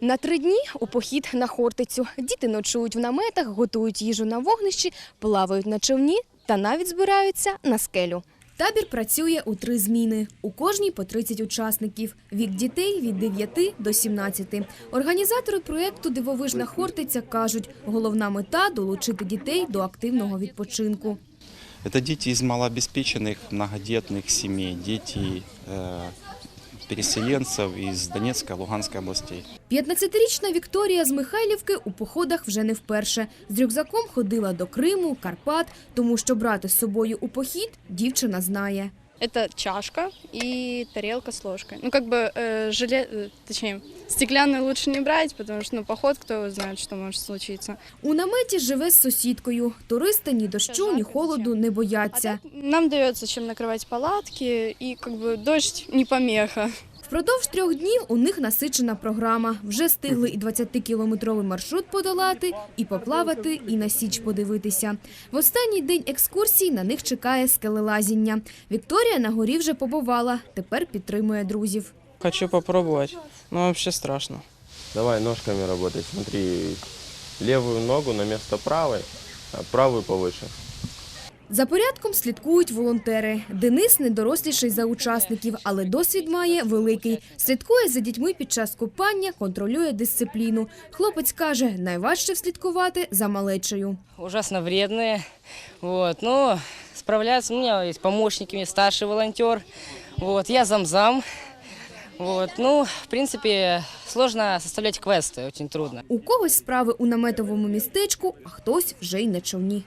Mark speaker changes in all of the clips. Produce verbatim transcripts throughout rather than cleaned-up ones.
Speaker 1: На три дні у похід на Хортицю. Діти ночують в наметах, готують їжу на вогнищі, плавають на човні та навіть збираються на скелю. Табір працює у три зміни. У кожній по тридцять учасників. Вік дітей – від дев'яти до сімнадцяти. Організатори проєкту «Дивовижна Хортиця» кажуть, головна мета – долучити дітей до активного відпочинку.
Speaker 2: Это дети из малообеспеченных, многодетных семей, дети э, переселенцев из Донецкой, Луганской областей.
Speaker 1: п'ятнадцятирічна Вікторія з Михайлівки у походах вже не вперше. З рюкзаком ходила до Криму, Карпат, тому що брати з собою у похід дівчина знає.
Speaker 3: Это чашка и тарелка с ложкой. Ну, как бы, э, желе... э, точнее, стеклянную лучше не брать, потому что, ну, поход, кто его знает, что может случиться.
Speaker 1: У наметі живе з сусідкою. Туристи ні дощу, ні холоду не бояться.
Speaker 3: А так нам дается чем накрывать палатки, и, как бы, дождь не помеха.
Speaker 1: Впродовж трьох днів у них насичена програма. Вже встигли і двадцятикілометровий маршрут подолати, і поплавати, і на Січ подивитися. В останній день екскурсій на них чекає скелелазіння. Вікторія на горі вже побувала, тепер підтримує друзів.
Speaker 4: Хочу попробовать, но вообще страшно.
Speaker 5: Давай ножками работать. Смотри, левую ногу на место правой, а правую повыше.
Speaker 1: За порядком слідкують волонтери. Денис недоросліший за учасників, але досвід має великий. Слідкує за дітьми під час купання, контролює дисципліну. Хлопець каже, найважче вслідкувати за малечею.
Speaker 6: Ужасно вредные, вот, но справляются. У меня есть помощники, старший волонтер, вот, я замзам. Вот, ну, в принципе, сложно составлять квесты, очень трудно.
Speaker 1: У когось справи у наметовому містечку, а хтось вже й на човні.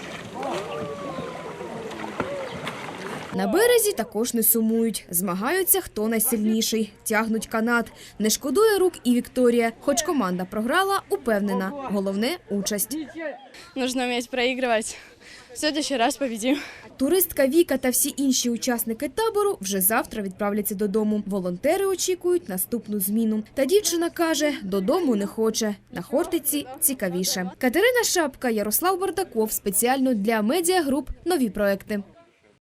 Speaker 1: На березі також не сумують. Змагаються, хто найсильніший. Тягнуть канат. Не шкодує рук і Вікторія. Хоч команда програла, упевнена. Головне – участь.
Speaker 3: Нужно уметь проигрывать. В следующий раз победим.
Speaker 1: Туристка Віка та всі інші учасники табору вже завтра відправляться додому. Волонтери очікують наступну зміну. Та дівчина каже, додому не хоче. На Хортиці цікавіше. Катерина Шапка, Ярослав Бардаков. Спеціально для медіагруп «Нові проекти».